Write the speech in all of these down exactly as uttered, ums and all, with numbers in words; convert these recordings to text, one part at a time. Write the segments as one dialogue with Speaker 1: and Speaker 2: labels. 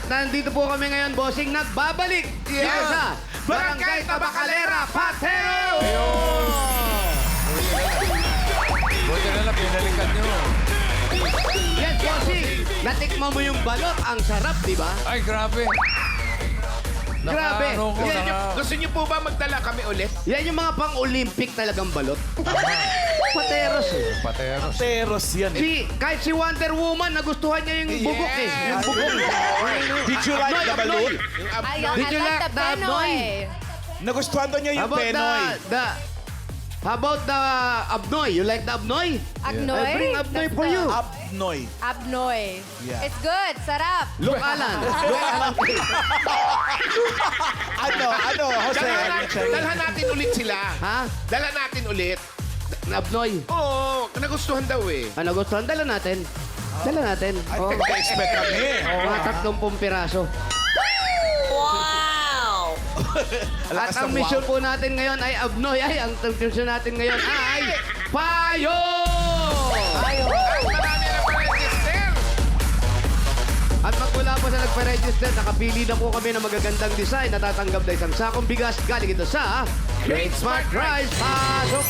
Speaker 1: nandito po kami ngayon, bossing, nagbabalik.
Speaker 2: Yes.
Speaker 1: Dito sa Barangay Tabacalera, Patero!
Speaker 3: Buti na lang, pinalikan nyo.
Speaker 1: Yes, bossing. Natikman mo yung balot. Ang sarap, di ba?
Speaker 3: Ay, grabe.
Speaker 1: Grabe.
Speaker 3: Naka, ano ko,
Speaker 1: Yan
Speaker 3: naka...
Speaker 1: yung-
Speaker 2: Gusto niyo po ba magdala kami ulit?
Speaker 1: Yan yung mga pang-Olympic talagang balot. Pateros eh.
Speaker 3: Pateros.
Speaker 4: Teros yan eh.
Speaker 1: Si, kahit si Wonder Woman, nagustuhan niya yung bubok eh. Yung bubok.
Speaker 4: Did you like
Speaker 1: Abnoy,
Speaker 4: the
Speaker 1: abnoy.
Speaker 4: balloon?
Speaker 5: Ay,
Speaker 1: Did
Speaker 5: I
Speaker 1: you
Speaker 5: like
Speaker 1: like
Speaker 5: the
Speaker 1: the
Speaker 5: Penoy.
Speaker 4: Nagustuhan daw niya
Speaker 1: How
Speaker 4: yung
Speaker 1: about
Speaker 4: Penoy.
Speaker 1: the, the, how about the Abnoy? You like the Abnoy?
Speaker 5: Agnoy?
Speaker 1: I bring Abnoy
Speaker 5: That's
Speaker 1: for
Speaker 5: the-
Speaker 1: you.
Speaker 4: Abnoy.
Speaker 5: Abnoy.
Speaker 4: Yeah.
Speaker 5: It's good. Sarap.
Speaker 1: Look, Alan. Look, Alan.
Speaker 4: Ano, ano, Jose?
Speaker 2: Dalhan,
Speaker 4: ano,
Speaker 2: natin,
Speaker 4: check?
Speaker 2: dalhan natin ulit sila.
Speaker 1: Ha?
Speaker 2: Dala natin ulit.
Speaker 1: Abnoy.
Speaker 2: Oo, nagustuhan daw eh.
Speaker 1: Ano gustuhan? Dala natin. Dala natin.
Speaker 4: Ay,
Speaker 1: Oh.
Speaker 4: nag-expect kami.
Speaker 1: Mga tatlumpung piraso.
Speaker 5: Wow!
Speaker 1: At
Speaker 4: Lakas
Speaker 1: ang
Speaker 4: ng
Speaker 1: mission
Speaker 4: wow.
Speaker 1: po natin ngayon ay Abnoy. Ay, ang mission natin ngayon ay Payo!
Speaker 5: Ayo.
Speaker 2: Ay, marami na pa register.
Speaker 1: At pag wala po sa nagpa-register, nakapili na po kami ng magagandang design. Natatanggap na isang sakong bigas. Galing ito sa Great Smart Rice. Pasok!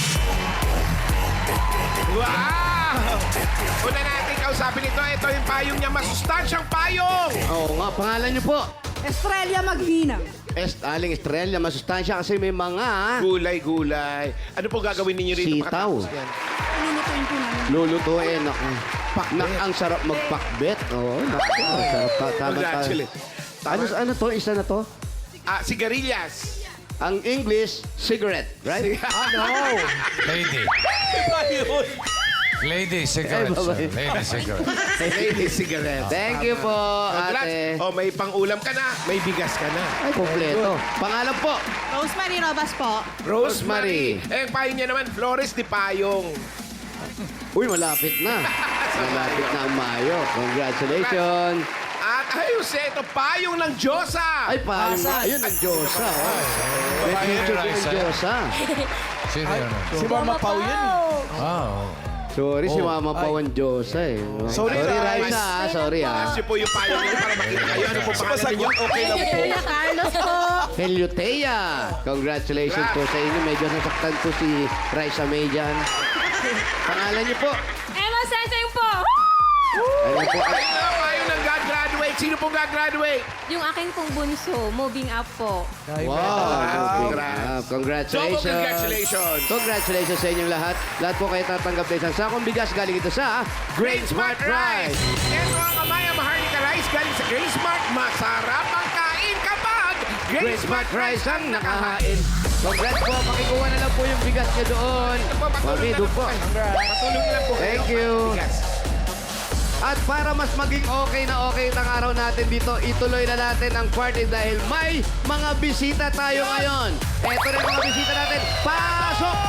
Speaker 2: Wow! Una natin kausapin ito. Ito yung payong niya. Masustansyang payong.
Speaker 1: Oo nga, pangalan niyo po.
Speaker 6: Estrella Maghina.
Speaker 1: Est, aling Estrella, masustansya kasi may mga
Speaker 2: Gulay, gulay. Ano po gagawin ninyo rito?
Speaker 1: Sitaw.
Speaker 2: makatapos yan?
Speaker 6: Lulutuin po namin.
Speaker 1: lulutuin. Naku. Nak, ang sarap magpakbet. Oo, naku. Ang sarap pa. Tama, tama.
Speaker 2: Congratulate.
Speaker 1: Ano, ano to? Isa na to?
Speaker 2: Ah, sigarilyas.
Speaker 1: Ang English, cigarette. Right?
Speaker 3: Ano? Lady.
Speaker 4: Iba yun.
Speaker 3: Lady cigarette,
Speaker 1: Ay,
Speaker 3: sir.
Speaker 1: babae.
Speaker 3: Lady cigarette.
Speaker 2: Lady cigarette.
Speaker 1: Thank you po,
Speaker 2: Congrats.
Speaker 1: ate.
Speaker 2: Oh, may pang-ulam ka na. May bigas ka na.
Speaker 1: Ay, kompleto. Pangalan po.
Speaker 6: Rosemary Robas po.
Speaker 1: Rosemary.
Speaker 2: Eh, payo niya naman, Flores de Payong.
Speaker 1: Uy, malapit na. Malapit na ang Mayo. Congratulations.
Speaker 2: At ayun, ito, payong ng Diyosa.
Speaker 1: Ay, paano nga. Ayun, ang Diyosa. Oh. May
Speaker 3: Babae
Speaker 1: picture ko
Speaker 3: ni
Speaker 1: ng
Speaker 3: Raisa.
Speaker 1: Diyosa.
Speaker 3: Sino yun?
Speaker 4: Si Mama Pau yun.
Speaker 3: Ah, oh.
Speaker 1: Sorry, si
Speaker 3: Oh,
Speaker 1: Mama pa ang Diyosa eh.
Speaker 4: Sorry,
Speaker 1: Sorry,
Speaker 4: Rais.
Speaker 1: Raisa. ah. Sorry, ah.
Speaker 2: Kasi po yung payong niyo para makita kayo. Ano po pangalan ninyo?
Speaker 4: Sumasagot, okay lang po.
Speaker 6: Carlos po.
Speaker 1: Heliotea. Congratulations po sa inyo. Medyo nasaktan po si Raisa May dyan. Pangalan niyo po.
Speaker 5: Emma Sensing po!
Speaker 1: Ano po?
Speaker 2: Ayun na, payong ng God-graduate. Sino pong God-graduate?
Speaker 5: Yung aking pong bunso, moving up po.
Speaker 1: Wow.
Speaker 2: Congrats.
Speaker 1: Congrats. Congratulations.
Speaker 2: Double congratulations.
Speaker 1: Congratulations sa inyong lahat. Lahat po kayo tatanggap na isang sakong bigas galing ito sa Great Smart Rice.
Speaker 2: Ito ang Amaya Maharlika Rice galing sa Great Smart. Masarap ang kain kapag
Speaker 1: Great Smart Rice ang nakahain. Congrats po. Pakikuha na lang po yung bigas niyo doon. Mami, doon po.
Speaker 2: Patulong lang po.
Speaker 1: Thank
Speaker 2: kayo.
Speaker 1: you.
Speaker 2: Bigas.
Speaker 1: At para mas maging okay na okay ang araw natin dito, ituloy na natin ang party dahil may mga bisita tayo ngayon. Eto rin mga bisita natin. Pasok!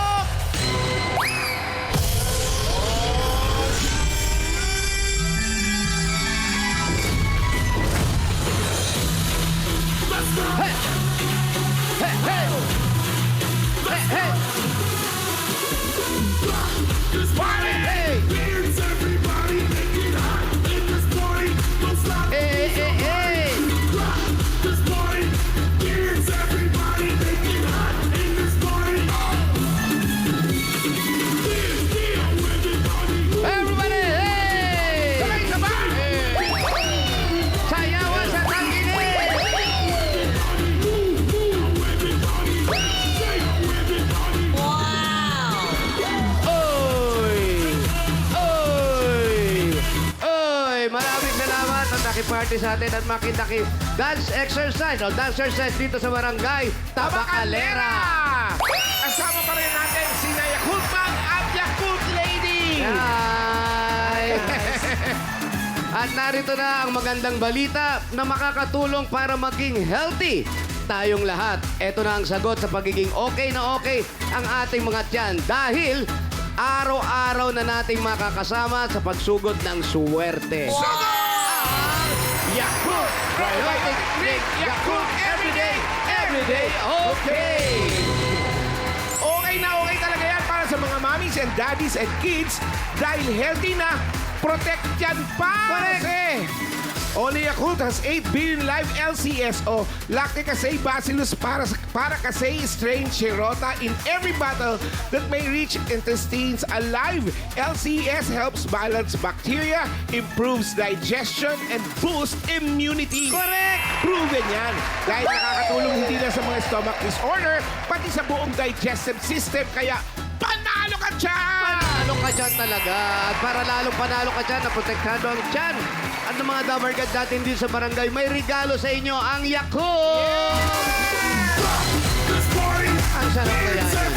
Speaker 1: Hey! Hey, hey! Hey, hey! Party! Hey! Hey, hey, hey! Everybody, hey!
Speaker 2: Sabay, sabay!
Speaker 1: Sayawan sa tangkilik! Oy! Oy! Oy! Maraming salamat at nakiparty sa atin at makitaki dance exercise o dance exercise dito sa barangay Tabacalera.
Speaker 2: Kasama pa rin natin si Yakult Bang at Yakult Lady.
Speaker 1: Hi! At narito na ang magandang balita na makakatulong para maging healthy tayong lahat. Ito na ang sagot sa pagiging okay na okay ang ating mga tiyan dahil araw-araw na nating makakasama sa pagsugod ng suwerte.
Speaker 2: Yakult Probiotic Drink Yakult Everyday, Everyday Okay. Okay na okay talaga yan para sa mga mommies and daddies and kids dahil healthy na, protect yan pa.
Speaker 1: Correct.
Speaker 2: Kasi Only Yakult has eight billion live L C S o Lactic Acid Bacillus para para kasi strain Shirota in every bottle that may reach intestines alive. L C S helps balance bacteria, improves digestion, and boosts immunity. Correct! Proven yan. Dahil nakakatulong hindi lang sa mga stomach disorder, pati sa buong digestive system. Kaya, panalo ka dyan!
Speaker 1: Panalo ka dyan talaga. At para lalong panalo ka dyan, naprotektado ang dyan. At ng mga dabargad natin din sa barangay, may regalo sa inyo ang Yakult! Ang sarap kaya yan.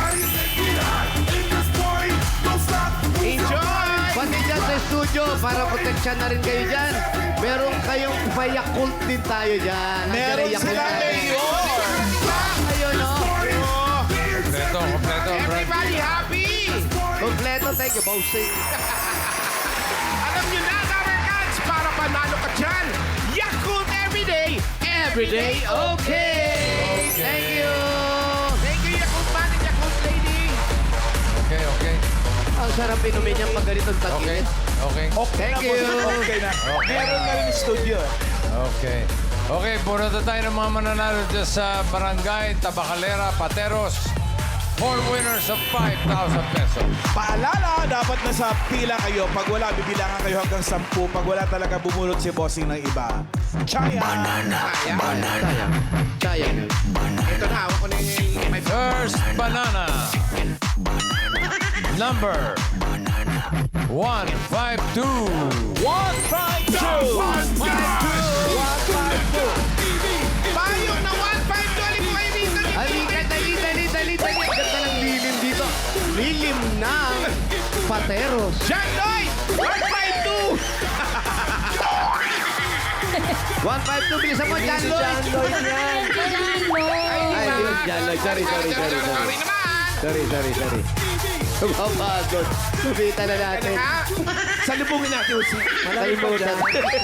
Speaker 2: Enjoy!
Speaker 1: Pati dyan sa studio, para proteksyon na rin kayo dyan. Meron kayong pa-Yakult din tayo dyan. Ang
Speaker 4: Meron
Speaker 1: galing Yakult
Speaker 4: sila,
Speaker 1: natin.
Speaker 4: Mayor!
Speaker 1: Ayun, no?
Speaker 3: Kompleto, kompleto, Brad.
Speaker 2: Everybody happy!
Speaker 1: Kompleto, thank you, bossing.
Speaker 2: Alam nyo na, Dabarkads, para panalo ka dyan, Yakult Everyday, Everyday Okay!
Speaker 1: Thank you!
Speaker 2: Thank you, Yakult Man and Yakult Lady!
Speaker 3: Okay, okay.
Speaker 1: Ang sarap inumin niyang pag ganitong
Speaker 3: Okay,
Speaker 1: tag-init.
Speaker 3: okay.
Speaker 4: Okay
Speaker 1: Thank
Speaker 4: na,
Speaker 1: you.
Speaker 4: boss. Okay na.
Speaker 3: Okay.
Speaker 4: Meron na rin studio.
Speaker 3: Okay. Okay, puro na tayo ng mga mananalo dyan sa Barangay Tabacalera, Pateros. Four winners of five thousand pesos.
Speaker 4: Paalala, dapat nasa pila kayo. Pag wala, bibilangan kayo hanggang sampu. Pag wala talaga, bumulot si bossing ng iba. Chaya!
Speaker 2: Sayang.
Speaker 1: Sayang. Sayang.
Speaker 2: Ito na, hawak ko na yung may
Speaker 3: First banana. Number one five two.
Speaker 4: One, five, two!
Speaker 2: One, five, two! Payo na one, five, two! Alin po kayo dito?
Speaker 1: Halika, dali, dali, dali, dali. Ang ganda ng lilim dito. Lilim ng Pateros.
Speaker 2: John Lloyd! one, five, two!
Speaker 1: one five two, bilisan mo, John Lloyd. Ay, yun, John Lloyd. Sorry, sorry, sorry, sorry.
Speaker 2: Sorry naman!
Speaker 1: Sorry, sorry, sorry. Kumapagod. Subita na natin.
Speaker 2: Ha? Salubungin natin, Usi.
Speaker 1: Kalimutan.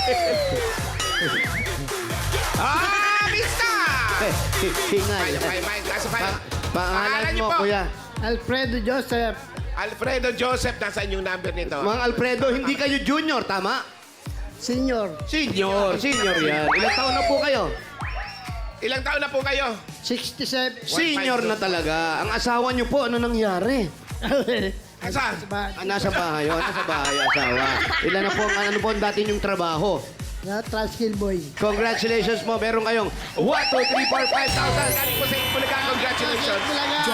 Speaker 2: Ah, Mista!
Speaker 1: Hingal.
Speaker 2: Ay, may, may, nasa file.
Speaker 1: Pangalan
Speaker 2: niyo
Speaker 1: mo,
Speaker 2: po?
Speaker 1: kuya.
Speaker 7: Alfredo Joseph,
Speaker 2: Alfredo Joseph, nasaan yung number nito?
Speaker 1: Mang Alfredo, hindi kayo junior, tama?
Speaker 7: Senior,
Speaker 1: Senior. Senior yan. Ilang taon na po kayo?
Speaker 2: Ilang taon na po kayo?
Speaker 7: sixty-seven.
Speaker 1: Senior na talaga. Ang asawa niyo po, ano nangyari?
Speaker 2: Saan?
Speaker 1: Ah, nasa bahay. Oh, nasa bahay, asawa. Ilan na po, ang- ano po ang dati niyong trabaho?
Speaker 7: Na Transkill Boy.
Speaker 1: Congratulations mo. Meron kayong one, two, three, four, five thousand.
Speaker 2: Galing po sa Ipulaga. Congratulations.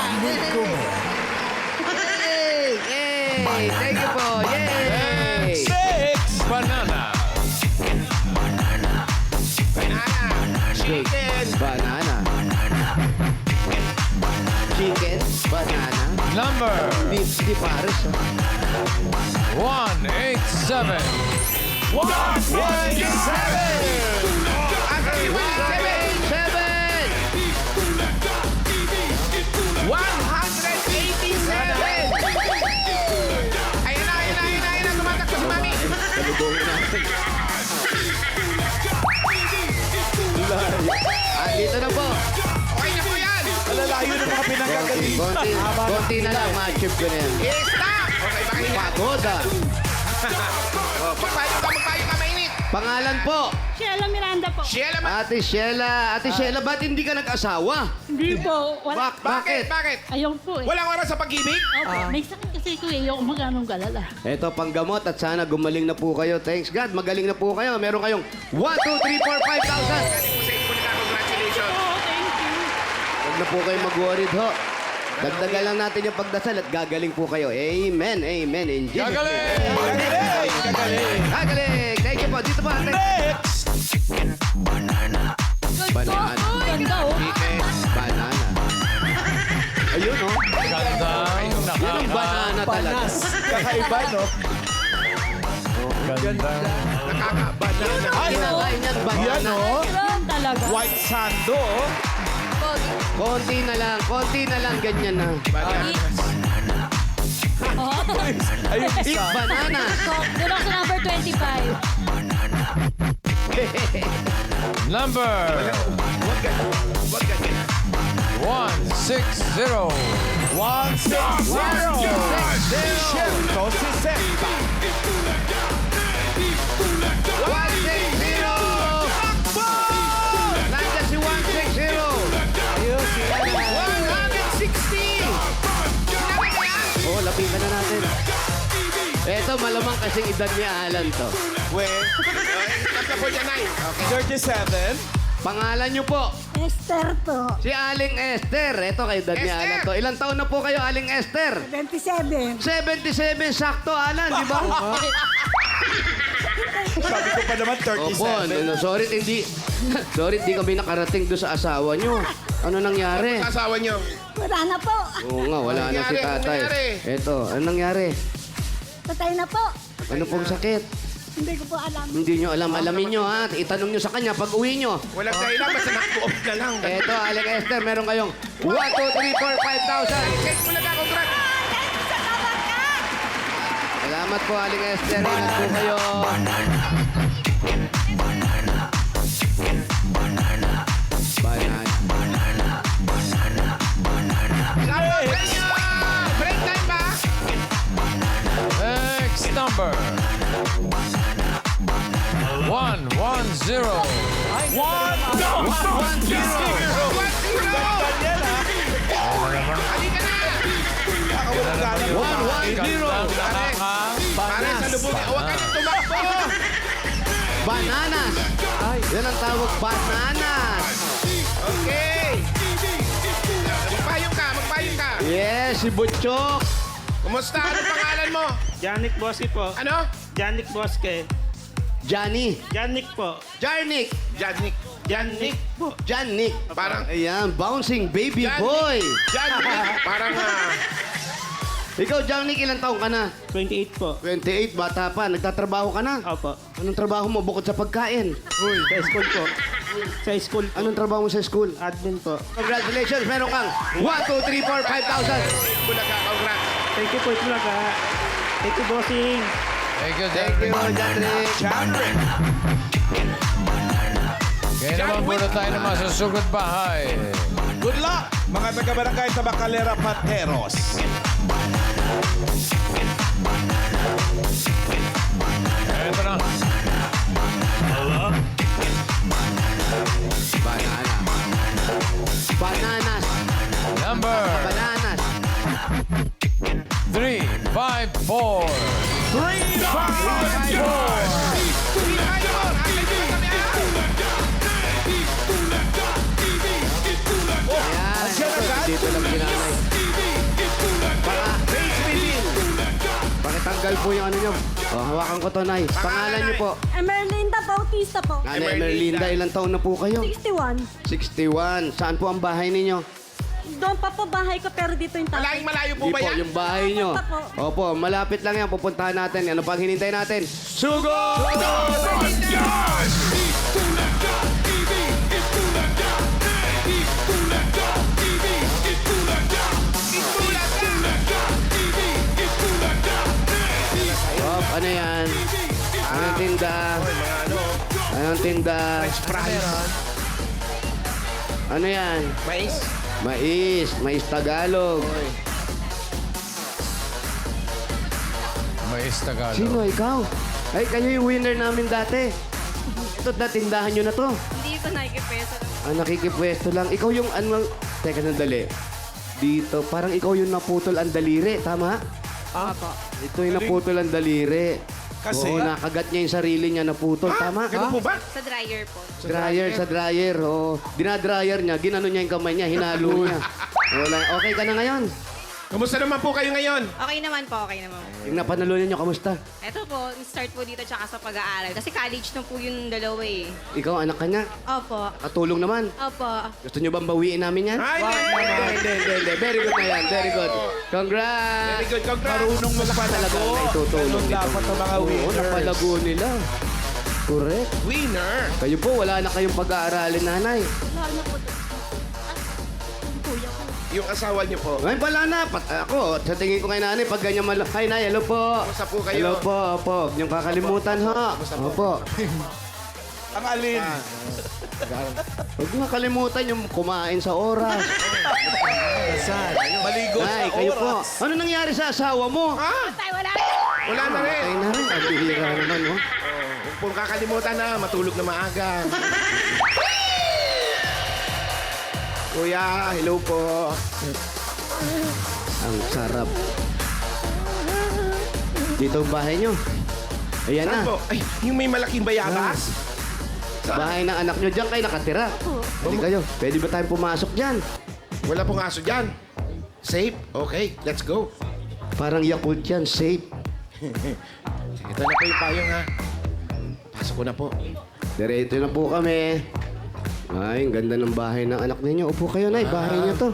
Speaker 1: Yay! Yay! Thank you po. Yay!
Speaker 4: Six!
Speaker 3: Banana.
Speaker 2: Banana. Chicken.
Speaker 1: Banana. Chicken. Banana.
Speaker 3: Number
Speaker 1: Di, di pares. oh.
Speaker 3: one eight seven.
Speaker 2: One, one, seven. Ang one, seven.
Speaker 1: Seven!
Speaker 2: one hundred eighty-seven. Ayan na, ayan na, ayan na, ayan na. Tumatakbo si Mami.
Speaker 1: Salubungin natin. Ah, dito na po.
Speaker 2: Okay na po yan.
Speaker 4: Malalayo ng mga pinagkagaling.
Speaker 1: Konti, konti na lang. Ma-achieve ko na yan.
Speaker 2: I-stop. Okay, bakit yan?
Speaker 1: Pagoda.
Speaker 2: Oh, magpayo ka, magpayo ka, mainit.
Speaker 1: Pangalan po.
Speaker 6: Sheila Miranda po.
Speaker 2: Sheila, ma-
Speaker 1: Ate Sheila. Ate Sheila, ba't hindi ka nag-asawa?
Speaker 6: Hindi po. Wala.
Speaker 1: Bak
Speaker 2: bakit?
Speaker 1: bakit?
Speaker 2: Bakit?
Speaker 6: Ayaw po eh.
Speaker 2: Walang oras sa pag-ibig?
Speaker 6: Opo. May sakit kasi ko eh. Ayaw maganong galala.
Speaker 1: Ito, panggamot at sana gumaling na po kayo. Thanks God, magaling na po kayo. Meron kayong one, two, three, four, five thousand.
Speaker 2: Galing po sa Ipulaga. Congratulations.
Speaker 6: Oh, thank you.
Speaker 1: Huwag na po kayo mag-worried ho. Dagdagan lang natin yung pagdasal at gagaling po kayo. Amen, amen. In Jesus' name.
Speaker 3: Gagaling!
Speaker 4: Gagaling! Gagaling!
Speaker 1: Gagaling! Thank you po. Dito po, ate.
Speaker 4: Next!
Speaker 1: Banana.
Speaker 6: Ganda oh.
Speaker 1: Chicken. Banana. Ayun, oh.
Speaker 3: Ganda.
Speaker 1: Yan ang
Speaker 3: Nakaka.
Speaker 1: banana talaga.
Speaker 4: Kakaiba, no?
Speaker 3: Ganda.
Speaker 2: Nakaka-banana.
Speaker 4: Ay,
Speaker 1: Kinakain yan,
Speaker 4: yan,
Speaker 1: banana.
Speaker 4: oh.
Speaker 6: Meron talaga.
Speaker 4: White sando, oh.
Speaker 1: Konti na lang, konti na lang, ganyan na.
Speaker 4: Ayun,
Speaker 1: Eat
Speaker 4: isa.
Speaker 1: banana.
Speaker 6: Doon ako sa number twenty-five.
Speaker 3: Number
Speaker 2: Huwag ganyan. Huwag ganyan.
Speaker 3: one six zero.
Speaker 4: One, six, zero. Shem, tosisenta.
Speaker 1: One, six, zero. natin. Eto, malamang kasing edad ni Alan to.
Speaker 4: Well,
Speaker 2: Tapos po dyan, Nay. Okay.
Speaker 4: thirty-seven.
Speaker 1: Pangalan niyo po?
Speaker 6: Esther po.
Speaker 1: Si Aling Esther. Eto, kay edad ni
Speaker 2: Esther!
Speaker 1: Alan to. Ilang taon na po kayo, Aling Esther?
Speaker 6: twenty-seven.
Speaker 1: seventy-seven, sakto, Alan, di ba?
Speaker 4: Sabi ko pa naman
Speaker 1: Opo,
Speaker 4: thirty-seven.
Speaker 1: no, sorry, hindi. Sorry, hindi kami nakarating doon sa asawa niyo. Ano nangyari?
Speaker 2: Asawa niyo.
Speaker 6: Wala na po.
Speaker 1: Oo nga, wala
Speaker 2: Ano
Speaker 1: na si
Speaker 2: nangyari? Ano
Speaker 1: tatay.
Speaker 2: nangyari?
Speaker 1: Eto, ano nangyari?
Speaker 6: Patay na po.
Speaker 1: Ano pong sakit?
Speaker 6: Hindi ko po alam.
Speaker 1: Hindi nyo alam. Alamin nyo, ha? Itanong nyo sa kanya pag uwi nyo.
Speaker 2: Walang dahilan, basta naku-off na lang.
Speaker 1: Eto, Aling Esther, meron kayong one, two, three, four, five thousand.
Speaker 2: Check mo na ka, congrats.
Speaker 1: Salamat po, Aling Esther. Ingat po kayo. Banana.
Speaker 2: Break nyo! Break time ba?
Speaker 3: Next number. One, one, zero.
Speaker 4: One, no!
Speaker 2: One, zero!
Speaker 4: Daniel, ha?
Speaker 2: Halika na!
Speaker 4: Nakawalang gana po.
Speaker 1: One, one, zero.
Speaker 2: Pare, sa lubog. Huwag ka nang tumakbo!
Speaker 1: Bananas. Yan ang tawag, bananas.
Speaker 2: Okay! Magpayong ka, magpayong ka.
Speaker 1: Yes, si Butchok.
Speaker 2: Kumusta? Anong pangalan mo?
Speaker 8: Janik Boski po.
Speaker 2: Ano?
Speaker 8: Janik Boske.
Speaker 1: Johnny.
Speaker 8: Janik po.
Speaker 1: Jarnik.
Speaker 2: Janik.
Speaker 8: Janik po.
Speaker 1: Janik.
Speaker 2: Parang...
Speaker 1: Ayan, bouncing baby
Speaker 2: Janik.
Speaker 1: boy.
Speaker 2: Janik. Parang... ah,
Speaker 1: Ikaw, Janik, ilang taong ka na?
Speaker 8: twenty-eight po.
Speaker 1: twenty-eight, bata pa. Nagtatrabaho ka na?
Speaker 8: Opo.
Speaker 1: Anong trabaho mo bukod sa pagkain?
Speaker 8: Sa school po. Sa school po.
Speaker 1: Anong trabaho mo sa school?
Speaker 8: Admin po.
Speaker 1: Congratulations, meron kang one, two, three, four, five thousand.
Speaker 2: Bulaga, congrats.
Speaker 8: Thank you po talaga. Thank you, bossing.
Speaker 3: Thank you,
Speaker 1: Thank you, Janik.
Speaker 2: Janik.
Speaker 3: Kaya naman muna tayo ng masusugod bahay.
Speaker 4: Good luck, mga taga-barangay Tabacalera Pateros.
Speaker 3: Ito na.
Speaker 1: Banana. Bananas.
Speaker 3: Number
Speaker 1: Bananas.
Speaker 3: three, five, four.
Speaker 4: Three, five, four.
Speaker 1: Ayan.
Speaker 4: Andiyan agad?
Speaker 1: Dito lang ginanay. Para, pakitanggal po yung ano nyo. Oh, hawakan ko to, Nay. Pangalan nyo po.
Speaker 6: Emerlinda Bautista po.
Speaker 1: Nanay Merlinda, ilang taon na po kayo?
Speaker 6: sixty-one.
Speaker 1: sixty-one. Saan po ang bahay ninyo?
Speaker 6: Doon pa po bahay ko pero dito yung tatay.
Speaker 2: Malayong malayo po
Speaker 1: Di
Speaker 2: ba
Speaker 1: po,
Speaker 2: yan?
Speaker 1: yung bahay nyo.
Speaker 6: Malapit pa po.
Speaker 1: Opo, malapit lang yan. Pupuntahan natin. Ano pang hinintay natin? Sugo! Op, ano yan? Anong tinda? Anong tinda? Ano yan?
Speaker 2: Mais?
Speaker 1: Mais. Mais Tagalog.
Speaker 3: Mais Tagalog.
Speaker 1: Sino, ikaw? Ay, kayo yung winner namin dati. Ito, na tindahan nyo na to.
Speaker 5: Hindi ko nakikipeso.
Speaker 1: Ah, nakikipwesto lang. Ikaw yung ano... Teka, sandali. Dito, parang ikaw yung naputol ang daliri. Tama?
Speaker 5: Opo.
Speaker 1: Ito yung naputol ang daliri.
Speaker 4: Kasi-
Speaker 1: Oo, nakagat niya yung sarili niya naputol. Tama?
Speaker 2: Ganun po ba?
Speaker 5: Sa dryer po.
Speaker 1: Dryer, sa dryer. Oo. Dinadryer niya. Ginano niya yung kamay niya. Hinalo niya. Wala. Okay ka na ngayon?
Speaker 2: Kumusta naman po kayo ngayon?
Speaker 5: Okay naman po, okay naman po.
Speaker 1: Yung napanalunan niyo, kamusta?
Speaker 5: Ito po, start po dito tsaka sa pag-aaral. Kasi college na po yung dalawa eh.
Speaker 1: Ikaw, anak ka niya.
Speaker 5: Opo.
Speaker 1: Katulong naman.
Speaker 5: Opo.
Speaker 1: Gusto niyo bang bawiin namin yan?
Speaker 2: Ay,
Speaker 1: Hindi, hindi, hindi, hindi. Very good na yan. Very good. Congrats!
Speaker 2: very good. Congrats.
Speaker 4: Marunong magpalago.
Speaker 1: Talagang naitutulong
Speaker 4: Ganun
Speaker 1: nito.
Speaker 4: dapat ang mga
Speaker 1: Oo,
Speaker 4: winners.
Speaker 1: napalago nila. Correct.
Speaker 2: Winner.
Speaker 1: Kayo po, wala na kayong pag-aaralin, nanay.
Speaker 6: Mahal na po to. Kuya ko.
Speaker 2: Yung asawa niyo po.
Speaker 1: Ngayon pala na, pat ako, sa tingin ko kay nanay, pag ganyan malo, hi nay, hello po.
Speaker 2: Kumusta po kayo?
Speaker 1: Hello po, opo. Huwag niyong kakalimutan, ha? Opo.
Speaker 4: Ang alin.
Speaker 1: Huwag niyong kakalimutan yung kumain sa oras.
Speaker 4: Maligo sa
Speaker 1: Nay, kayo po.
Speaker 4: oras.
Speaker 1: Ano nangyari sa asawa mo?
Speaker 2: Ah,
Speaker 6: Tay, wala.
Speaker 2: wala na rin.
Speaker 1: Ay na rin, ang bihira naman, oh.
Speaker 2: Huwag pong kakalimutan na matulog na maaga. Kuya, hello po.
Speaker 1: Ang sarap. Dito ang bahay nyo. Ayan
Speaker 2: Saan
Speaker 1: na.
Speaker 2: po? Ay, yung may malaking bayabas?
Speaker 1: Bahay ng anak nyo. Diyan kayo nakatira. Pwede kayo. Pwede ba tayong pumasok dyan?
Speaker 2: Wala pong aso dyan. Safe? Okay, let's go.
Speaker 1: Parang Yakult yan. Safe.
Speaker 2: Ito na po yung payong ha. Pasok ko na po.
Speaker 1: Diretso na po kami. Ay, ang ganda ng bahay ng anak ninyo. Upo kayo, Nay. Bahay niyo to.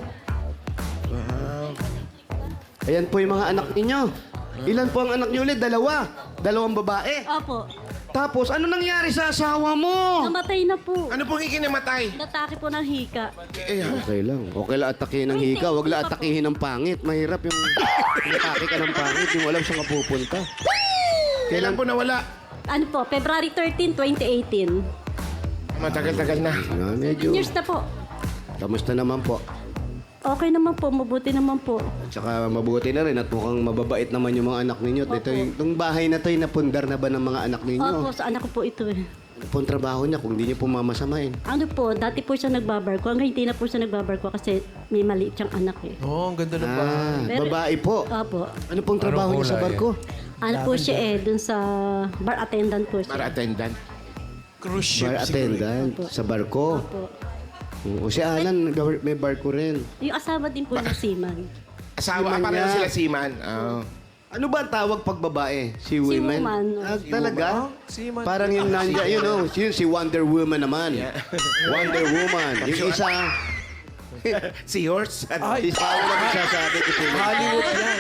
Speaker 1: Ayan po yung mga anak ninyo. Ilan po ang anak niyo ulit? Dalawa. Dalawang babae.
Speaker 6: Opo.
Speaker 1: Tapos, ano nangyari sa asawa mo?
Speaker 6: Namatay na po.
Speaker 2: Ano pong ikinamatay?
Speaker 6: Natake po ng hika.
Speaker 2: Eh, ha?
Speaker 1: Okay lang. Okay lang atakihin ng hika. Huwag lang atakihin ng pangit. Mahirap yung atake ka ng pangit. Yung alam saan ka pupunta.
Speaker 2: Kailan po nawala?
Speaker 6: Ano po, February thirteenth, twenty eighteen.
Speaker 2: Matagal-tagal na.
Speaker 1: Ah, medyo.
Speaker 6: Years na po.
Speaker 1: Kamusta naman po?
Speaker 6: Okay naman po, mabuti naman po.
Speaker 1: At saka mabuti na rin at mukhang mababait naman yung mga anak ninyo. Ito, yung, itong bahay na to, yung napundar na ba ng mga anak ninyo?
Speaker 6: Opo, sa anak ko po ito eh.
Speaker 1: Ano po ang trabaho niya kung hindi niyo po mamasamain?
Speaker 6: Ano po, dati po siya nagbabarko. Hanggang hindi na po siya nagbabarko kasi may maliit siyang anak eh.
Speaker 4: Oh, ang ganda ng
Speaker 1: Ah,
Speaker 6: Pero-
Speaker 1: babae po.
Speaker 6: Opo.
Speaker 1: Ano pong trabaho niya sa
Speaker 3: kulay?
Speaker 1: barko?
Speaker 6: Ano po siya eh, dun sa bar attendant po siya.
Speaker 2: Para attendant.
Speaker 4: cruise ship.
Speaker 1: Bar attendant sa barko.
Speaker 6: Opo.
Speaker 1: O si Alan, may barko rin.
Speaker 6: Yung asawa din po ng seaman.
Speaker 2: Asawa,
Speaker 1: Seaman
Speaker 2: pareho
Speaker 1: niya.
Speaker 2: sila seaman. Oh.
Speaker 1: Ano ba ang tawag pag babae? Si women?
Speaker 6: woman.
Speaker 1: Ah, talaga?
Speaker 4: Seaman.
Speaker 1: Parang yung nandya, you know, yun si Wonder Woman naman. Wonder Woman. Yung isa,
Speaker 2: Seahorse?
Speaker 1: ay, isa ako lang sasabi ko sila.
Speaker 4: Hollywood yan.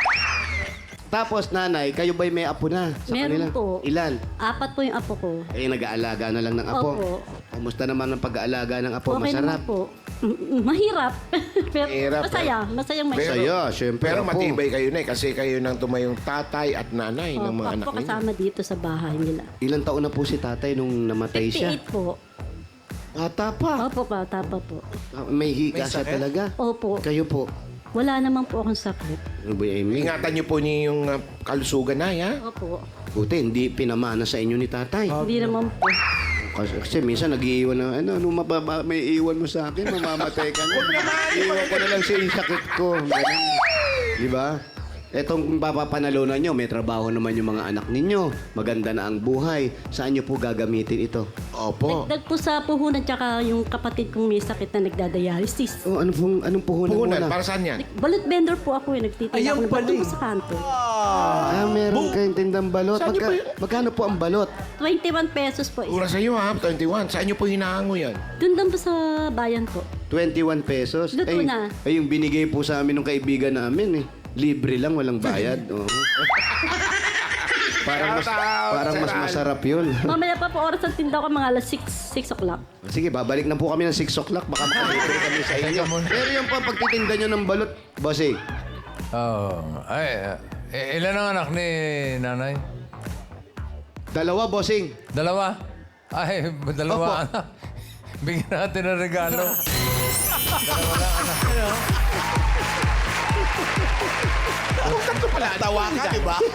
Speaker 1: Tapos nanay, kayo ba'y may apo na sa
Speaker 6: Meron
Speaker 1: kanila?
Speaker 6: po.
Speaker 1: Ilan?
Speaker 6: Apat po yung apo ko.
Speaker 1: Eh, nag-aalaga na lang ng apo.
Speaker 6: Opo.
Speaker 1: Kumusta naman ang pag-aalaga ng apo?
Speaker 6: Okay
Speaker 1: Masarap?
Speaker 6: naman po. Mm, mm, Mahirap. Pero
Speaker 2: Mahirap,
Speaker 6: masaya. Masayang
Speaker 2: Pero-
Speaker 6: masaya.
Speaker 1: Saya, syempre.
Speaker 2: Pero
Speaker 1: apo.
Speaker 2: matibay kayo na eh, kasi kayo nang tumayong tatay at nanay ng
Speaker 6: Opo,
Speaker 2: mga
Speaker 6: ako
Speaker 2: anak
Speaker 6: po
Speaker 2: ninyo.
Speaker 6: kasama dito sa bahay nila.
Speaker 1: Ilang taon na po si tatay nung namatay siya?
Speaker 6: fifty-eight po.
Speaker 1: Ata pa.
Speaker 6: Opo pa, tapa po.
Speaker 1: Ah, May higa
Speaker 4: May
Speaker 1: siya
Speaker 4: sakit?
Speaker 1: talaga.
Speaker 6: Opo.
Speaker 1: Kayo po.
Speaker 6: Wala naman po akong sakit.
Speaker 1: Ano ba yung Amy?
Speaker 2: Ingatan niyo po niyo yung uh, kalusugan na, ha?
Speaker 6: Opo.
Speaker 1: Buti, hindi pinamana sa inyo ni tatay.
Speaker 6: Hindi naman po.
Speaker 1: Kasi, kasi minsan nag-iiwan na, ano, ano mababa, may iwan mo sa akin, mamamatay ka na. Iiwan ko na lang sa yung sakit ko. Ganun. Di ba? Etong papapanalunan nyo, may trabaho naman yung mga anak ninyo. Maganda na ang buhay. Saan nyo po gagamitin ito?
Speaker 2: Opo.
Speaker 6: Dagdag po sa puhunan tsaka yung kapatid kong may sakit na nagdadialysis.
Speaker 1: Oh, ano pong, anong puhunan
Speaker 2: Puhunan,
Speaker 1: muna?
Speaker 2: para saan yan?
Speaker 6: Balot vendor po ako eh. Nagtitinda
Speaker 4: Ayun
Speaker 6: ako ng
Speaker 4: pala
Speaker 6: balot
Speaker 4: eh.
Speaker 6: sa kanto.
Speaker 1: Ah, meron kayong tindang balot.
Speaker 2: Saan niyo
Speaker 1: Magka,
Speaker 2: po yun?
Speaker 1: magkano po ang balot?
Speaker 6: twenty-one pesos po.
Speaker 2: Ura sa iyo, ha? twenty-one. Saan niyo po hinahango yan?
Speaker 6: Doon lang po sa bayan po.
Speaker 1: twenty-one pesos.
Speaker 6: Luto
Speaker 1: ay,
Speaker 6: na.
Speaker 1: ay, yung binigay po sa amin ng kaibigan namin eh. Libre lang, walang bayad. Oo. Parang mas,
Speaker 2: Shout out,
Speaker 1: parang mas
Speaker 2: Sir Al.
Speaker 1: masarap yun.
Speaker 6: Mamaya pa po oras ang tinda ko mga alas six o'clock.
Speaker 1: Sige, babalik na po kami ng six o'clock. Baka makalibre kami sa inyo. Pero yung pa pagtitinda nyo ng balot, bossy,
Speaker 3: Oh, ay, eh, ilan ang anak ni nanay?
Speaker 1: dalawa, bossing.
Speaker 3: Dalawa? Ay, dalawa
Speaker 1: Opo.
Speaker 3: anak. Bigyan natin ng regalo.
Speaker 4: Tawa ka, di ba?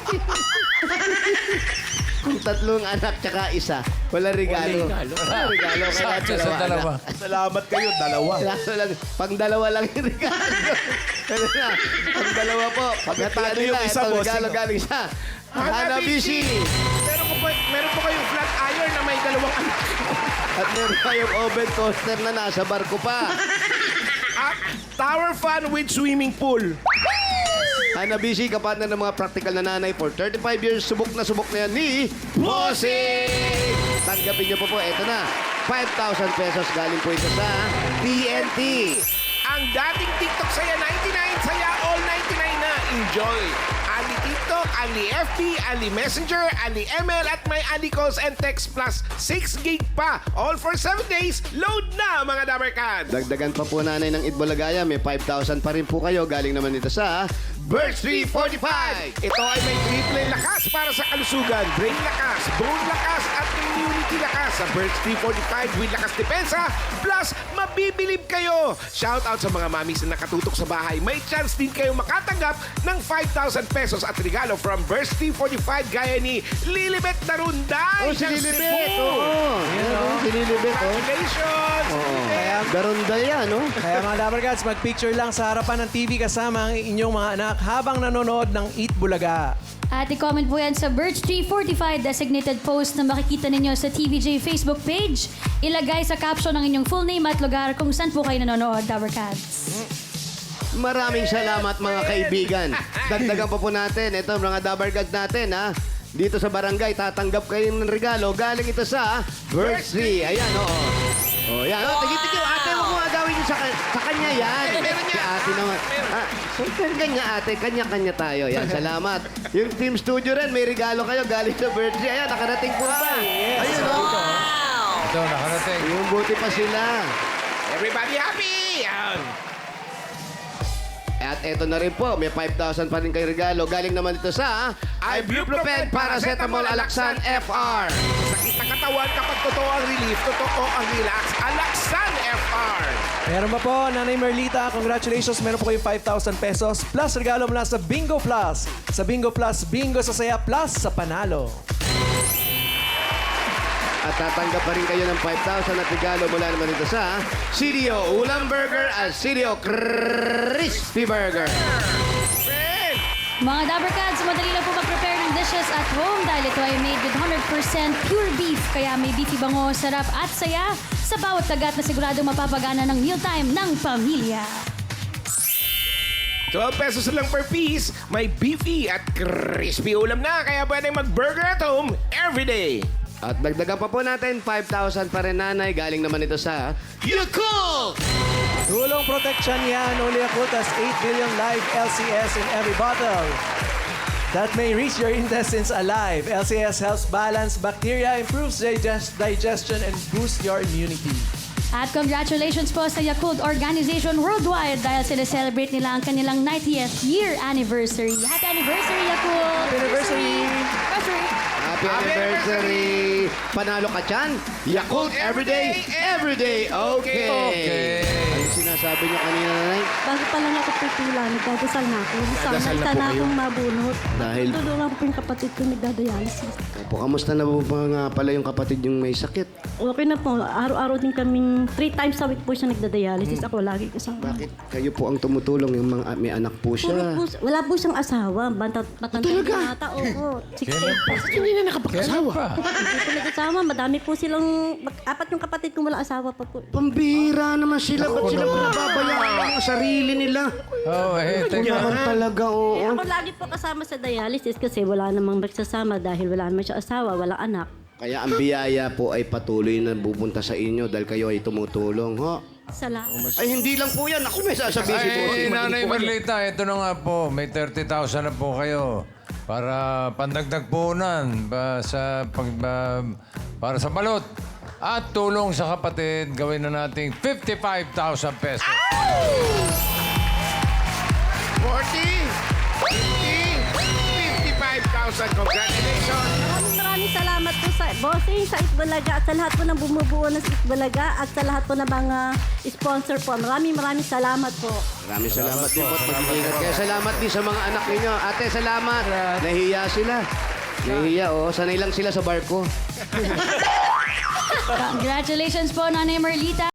Speaker 1: Kung tatlong anak tsaka isa, wala regalo. Wala regalo. Kaya
Speaker 3: Sakto sa dalawa.
Speaker 4: Salamat kayo, dalawa.
Speaker 1: Kaso lang, pang dalawa lang yung regalo. Ano na, pang dalawa po. Pagkatalo
Speaker 4: yung
Speaker 1: nila,
Speaker 4: isa,
Speaker 1: itong
Speaker 4: bossing.
Speaker 1: regalo galing sa Hanabishi.
Speaker 2: Meron po, po- meron po kayong flat iron na may dalawang anak.
Speaker 1: At meron tayong oven toaster na nasa barko pa.
Speaker 2: At tower fan with swimming pool.
Speaker 1: Hanabishi, kapatid ng mga practical na nanay for thirty-five years, subok na subok na yan ni Bossing! Tanggapin niyo po po, eto na. five thousand pesos galing po ito sa T N T.
Speaker 2: Ang dating TikTok saya ninety-nine, saya all ninety-nine na. Enjoy! Ali TikTok, Ali F B, Ali Messenger, Ali M L at may Ali calls and text plus six gig pa. All for seven days. Load na mga Dabarkad!
Speaker 1: Dagdagan pa po nanay ng Itbulagaya, may five thousand pa rin po kayo. Galing naman ito sa Birch three forty-five.
Speaker 2: Ito ay may triple lakas para sa kalusugan. Brain lakas, bone lakas at immunity lakas sa Birch three forty-five with lakas depensa. Plus, mabibilib kayo. Shout out sa mga mamis na nakatutok sa bahay. May chance din kayo makatanggap ng five thousand pesos at regalo from from Burst three forty-five gaya ni Lilibet Darunday.
Speaker 1: Oh, si
Speaker 2: ng
Speaker 1: Lilibet.
Speaker 2: Cebu.
Speaker 1: Oo. Ayan, si Lilibet. Oh.
Speaker 2: Congratulations! Lilibet.
Speaker 1: Garunda yan, no?
Speaker 9: Kaya mga Dabarkads, mag-picture lang sa harapan ng T V kasama ang inyong mga anak habang nanonood ng Eat Bulaga.
Speaker 10: At i-comment po yan sa Birch three forty-five designated post na makikita ninyo sa T V J Facebook page. Ilagay sa caption ang inyong full name at lugar kung saan po kayo nanonood, Dabarkads.
Speaker 1: Maraming salamat mga kaibigan. Dagdagan pa po natin. Ito mga Dabarkads natin, ha? Dito sa barangay, tatanggap kayo ng regalo. Galing ito sa Birch Tree. Ayan, oo. Oh, yan. Oh, tigit-tigit. Ate, huwag mo agawin yun sa, ka- sa kanya yan. Si ate naman. Ah, so, kanya ate. Kanya-kanya tayo. Yan, salamat. Yung Team Studio rin, may regalo kayo galing sa Birch Tree. Ayan, nakarating po ba? Ayun, oh.
Speaker 3: Ito, nakarating.
Speaker 1: Yung buti pa sila.
Speaker 2: Everybody happy! Yan.
Speaker 1: At eto na rin po, may five thousand pa rin kayo regalo. Galing naman ito sa Ibuprofen Paracetamol Alaxan F R.
Speaker 2: Sakit ng katawan kapag totoo ang relief, totoo ang relax. Alaxan F R.
Speaker 9: Meron pa po, Nanay Merlita, congratulations. Meron po kayong five thousand pesos plus regalo mula sa Bingo Plus. Sa Bingo Plus, Bingo sa Saya Plus sa Panalo.
Speaker 1: At tatanggap pa rin kayo ng five thousand at regalo mula naman ito sa C D O Ulam Burger at C D O Crispy Burger.
Speaker 10: Mga Dabarkads, madali lang po mag-prepare ng dishes at home dahil ito ay made with one hundred percent pure beef. Kaya may beefy bango, sarap at saya sa bawat kagat na siguradong mapapagana ng mealtime ng pamilya.
Speaker 2: twelve pesos lang per piece, may beefy at crispy ulam na. Kaya pwedeng mag-burger at home every day.
Speaker 1: At dagdagan pa po natin, five thousand pa rin nanay. Galing naman ito sa Yakult!
Speaker 9: Tulong protection yan, only Yakult has eight billion live L C S in every bottle. That may reach your intestines alive. L C S helps balance bacteria, improves digest digestion, and boosts your immunity.
Speaker 10: At congratulations po sa Yakult Organization Worldwide dahil sila-celebrate nila ang kanilang ninetieth year anniversary. Happy anniversary, Yakult!
Speaker 9: Happy anniversary!
Speaker 10: Anniversary!
Speaker 1: Happy anniversary! Panalo ka dyan? Yakult everyday, everyday, okay!
Speaker 3: Okay.
Speaker 1: Ano sinasabi niyo kanina, nanay?
Speaker 6: Bago pa lang ako pipila, nagdadasal na ako. Sana,
Speaker 1: Nagdadasal na po
Speaker 6: sana
Speaker 1: kayo?
Speaker 6: akong mabunot.
Speaker 1: Dahil-
Speaker 6: Tutulungan ko po yung kapatid ko nagdadialysis.
Speaker 1: Opo, kamusta na po ba nga pala yung kapatid yung may sakit?
Speaker 6: Okay na po. Araw-araw din kaming three times a week po siya nagdadialysis. Ako lagi kasama.
Speaker 1: Bakit kayo po ang tumutulong yung mga may anak po
Speaker 6: Puro
Speaker 1: siya?
Speaker 6: po, wala po siyang asawa. Banta, matanda
Speaker 1: Talaga?
Speaker 6: yung ata. Oo. sixty-eight po.
Speaker 1: Hindi na nakapag-asawa.
Speaker 6: Hindi po nag-asawa. Madami po silang... Apat yung kapatid kong wala asawa pa po.
Speaker 1: Pambira naman sila. Ba't sila pinababayaan ang sarili nila?
Speaker 3: Oh, eh,
Speaker 1: Kung
Speaker 3: teka.
Speaker 1: naman talaga, oo.
Speaker 6: Eh, ako lagi po kasama sa dialysis kasi wala namang magsasama dahil wala naman siya asawa, wala anak.
Speaker 1: Kaya ang biyaya po ay patuloy na pupunta sa inyo dahil kayo ay tumutulong, ho?
Speaker 6: Salamat.
Speaker 1: Ay, hindi lang po yan. Ako may sasabihin si Bossing.
Speaker 3: Ay, Nanay
Speaker 1: Mali po kayo.
Speaker 3: Merlita, ito na nga po. May thirty thousand na po kayo para pandagdag puhunan ba, sa pag, ba, para sa balot. At tulong sa kapatid, gawin na nating fifty-five thousand pesos.
Speaker 2: forty, fifty, fifty-five thousand. Congratulations!
Speaker 6: Maraming maraming salamat po sa bossing, sa Itbulaga at sa lahat po ng bumubuo ng Itbulaga at sa lahat po ng mga sponsor po. Maraming maraming salamat po.
Speaker 1: Maraming salamat din po at pag-iingat. Kaya salamat din sa mga anak ninyo. Ate, salamat. Nahiya sila. Nahiya, oh. Sanay lang sila sa barko.
Speaker 10: Congratulations po, Nanay Merlita.